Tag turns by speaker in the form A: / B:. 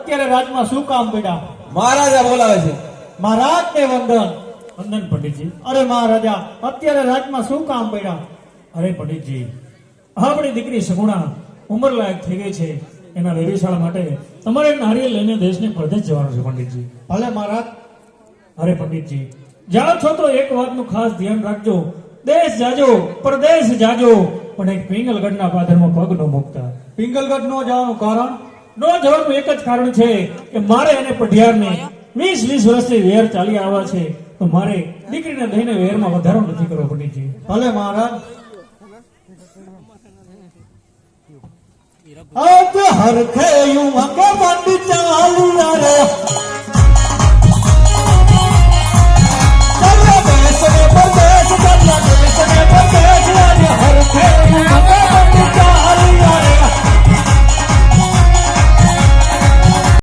A: અત્યારે રાજમાં શું કામ પડ્યા?
B: મહારાજા બોલાવે છે.
A: મહારાજ ને વંદન.
C: વંદન પંડિતજી.
A: અરે મહારાજા, અત્યારે રાજમાં શું કામ પડ્યા?
C: અરે પંડિતજી, આપણી દીકરી સગુણા ઉંમર લાયક થઈ ગઈ છે. એના વેવિશાળા માટે તમારે નારિયેળ લઈને દેશને પરદેશ જવાનું છે પંડિતજી.
A: ભલે મહારાજ.
C: અરે પંડિતજી, જાઓ છો તો એક વાતનું ખાસ ધ્યાન રાખજો. દેશ જાજો, પરદેશ જાજો, પણ એક પિંગલગઢના પાદરમાં પગ ન મૂકતા.
A: પિંગલગઢ નો જવાનું કારણ?
C: ન જવાનું એક જ કારણ છે કે મારે અને પઢિયારને 20 વર્ષથી વેર ચાલી આવ્યા છે, તો મારે દીકરીને લઈને વેરમાં વધારો નથી કરવો પંડિતજી.
A: ભલે મહારાજ. આજ હરખે યુ અંગે બંધ ચાલ્યા રે